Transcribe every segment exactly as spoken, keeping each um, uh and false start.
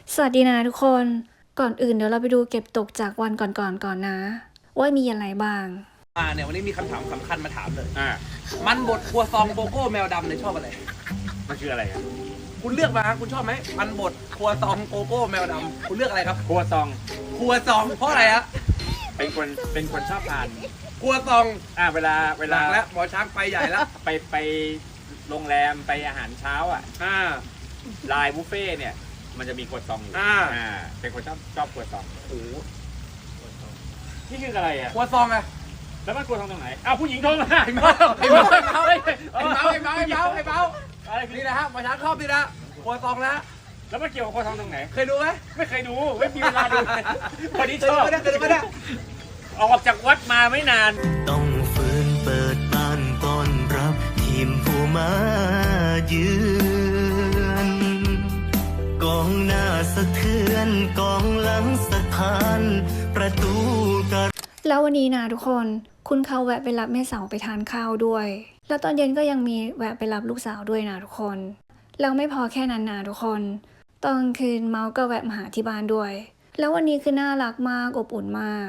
สวัสดีนะทุกคนก่อนอื่นเดี๋ยวเราไปดูเก็บตกจากวันก่อนๆ ก, ก่อนนะว่ามีอะไรบ้างอ่าเนี่ยวันนี้มีคำถามสำคัญมาถามเลยอ่ามันบดครัวซองโกโก้แมวดำเนี่ยชอบอะไรมันคืออะไรอ่ะคุณเลือกมาคุณชอบไหมมันบดครัวซองโกโก้แมวดำคุณเลือกอะไรครับครัวซองครัวซองเพราะอะไรฮะเป็นคนเป็นคนชอบทานครัวซองอ่าเวลาเวลาแล้วหมอช้างไปใหญ่แล้วไปไปโรงแรมไปอาหารเช้าอ่ะอ่าไลน์บุฟเฟ่เนี่ยมันจะมีครัวซองอยู่อ่าอ่าเป็นคนชอบชอบครัวซองโอ้นี่คืออะไรอ่ะครัวซองอะแล้วมันครัวซองตรงไหนอ้าวผู้หญิงโทรมาไอ้เมาไอ้เมาไอ้เมาไอ้เมาไอ้เมาไอ้เมาไอ้เมานี่นะฮะหมอช้างชอบนี่นะครัวซองนะแล้วมันเกี่ยวกับครัวซองตรงไหนเคยดูไหมไม่เคยดูไม่มีเวลาดูวันนี้ชอบเคยดูไม่ได้ออกจากวัดมาไม่นานต้องฝืนเปิดบ้านต้อนรับทีมผู้มาเยือนกองหน้าสะเทือนกองหลังสะท้านประตูกระแล้ววันนี้นะทุกคนคุณเขาแวะไปรับแม่สาวไปทานข้าวด้วยแล้วตอนเย็นก็ยังมีแวะไปรับลูกสาวด้วยนะทุกคนแล้วไม่พอแค่นั้นนะทุกคนตอนคืนเมาก็แวะมาหาที่บ้านด้วยแล้ววันนี้คือน่ารักมากอบอุ่นมาก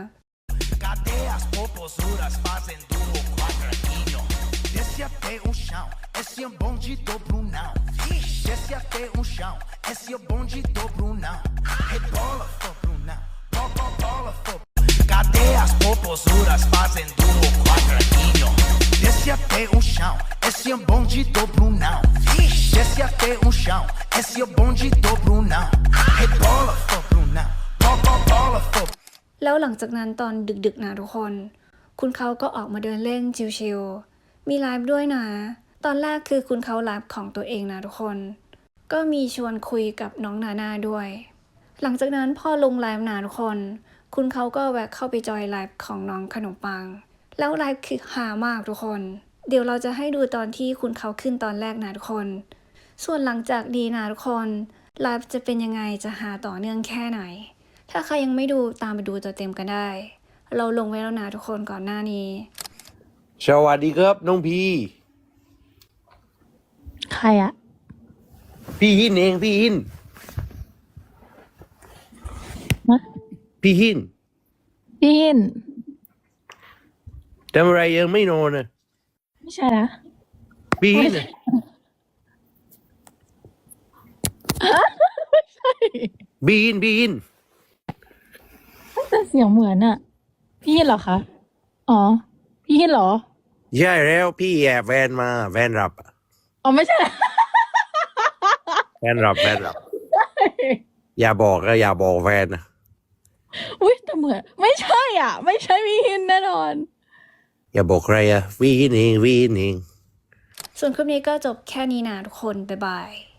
Cadeias, popozuras fazem do quadradinho. Desce até o chão, esse é bonde do Brunão. Desce até o chão, esse é bonde do Brunão. Rebola, for Brunão, bola, bola, for. Cadeias, popozuras fazem do quadradinho. Desce até o chão, esse é bonde do Brunão. Desce até o chão, esse é bonde do Brunão. Rebola, for Brunão, bola, bola, for. แล้วหลังจากนั้นตอนดึกๆนะทุกคนคุณเขาก็ออกมาเดินเล่นชิลๆมีไลฟ์ด้วยนะตอนแรกคือคุณเขาไลฟ์ของตัวเองนะทุกคนก็มีชวนคุยกับน้องนาน่าด้วยหลังจากนั้นพอลงไลฟ์นะทุกคนคุณเขาก็แวะเข้าไปจอยไลฟ์ของน้องขนมปังแล้วไลฟ์คือฮามากทุกคนเดี๋ยวเราจะให้ดูตอนที่คุณเขาขึ้นตอนแรกนะทุกคนส่วนหลังจากดีนะทุกคนไลฟ์จะเป็นยังไงจะหาต่อเนื่องแค่ไหนถ้าใครยังไม่ดูตามไปดูตัวเต็มกันได้เราลงไว้แล้วนะทุกคนก่อนหน้านี้สวัสดีครับน้องพีใครอะพี่หินเองพี่หินนะพี่หินพี่หินทำอะไรยังไม่นอนนะไม่ใช่นะพี่หินไม่ใช่พี่หินพี่หินแต่เสียงเหมือนอะพี่หินเหรอคะอ๋อพี่หินเหรอใช่แล้วพี่แอบแฟนมาแฟนรับอ๋อไม่ใช่แฟนรับแฟนรับอย่าบอกก็อย่าบอกแฟนนะอุ้ยแต่เหมือนไม่ใช่อ่ะไม่ใช่พี่หินแน่นอนอย่าบอกใครอะพี่หินเองพี่หินเองส่วนคลิปนี้ก็จบแค่นี้นะทุกคนบ๊ายบาย